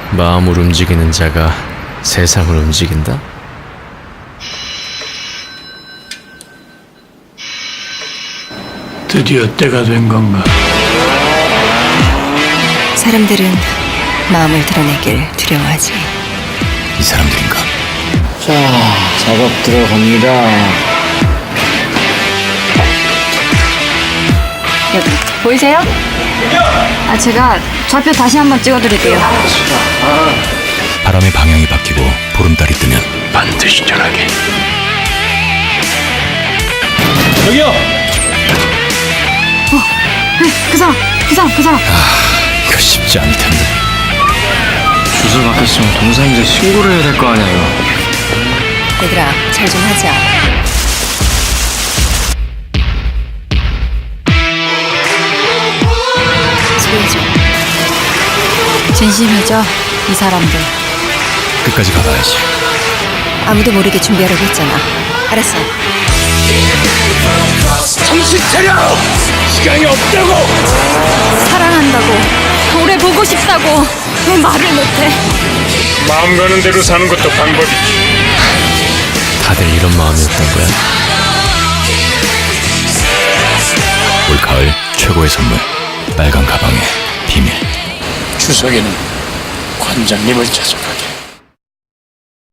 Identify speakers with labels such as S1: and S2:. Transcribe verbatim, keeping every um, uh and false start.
S1: 마음을 움직이는 자가 세상을 움직인다?
S2: 드디어 때가 된 건가?
S3: 사람들은 마음을 드러내길 두려워하지.
S4: 이 사람들인가?
S5: 자, 작업 들어갑니다.
S3: 여기 보이세요? 아, 제가 좌표 다시 한번 찍어드릴게요.
S4: 바람의 방향이 바뀌고 보름달이 뜨면
S2: 반드시 전하게.
S1: 저기요!
S3: 그 사람, 그 사람, 그 사람.
S4: 이거 쉽지 않을 텐데.
S5: 주소 바뀌었으면 동사인지 신고를 해야 될 거 아니야, 이거.
S3: 얘들아, 잘 좀 하자. 소리해줘. 진심이죠, 이 사람들.
S4: 끝까지 가봐야지.
S3: 아무도 모르게 준비하려고 했잖아. 알았어.
S2: 정신 차려! 시간이 없다고!
S3: 사랑한다고, 오래 보고 싶다고 왜 말을 못해?
S2: 마음 가는 대로 사는 것도 방법이지.
S1: 다들 이런 마음이었던 거야?
S4: 올 가을 최고의 선물. 빨간 가방의 비밀.
S2: 추석에는 관장님을 찾아가.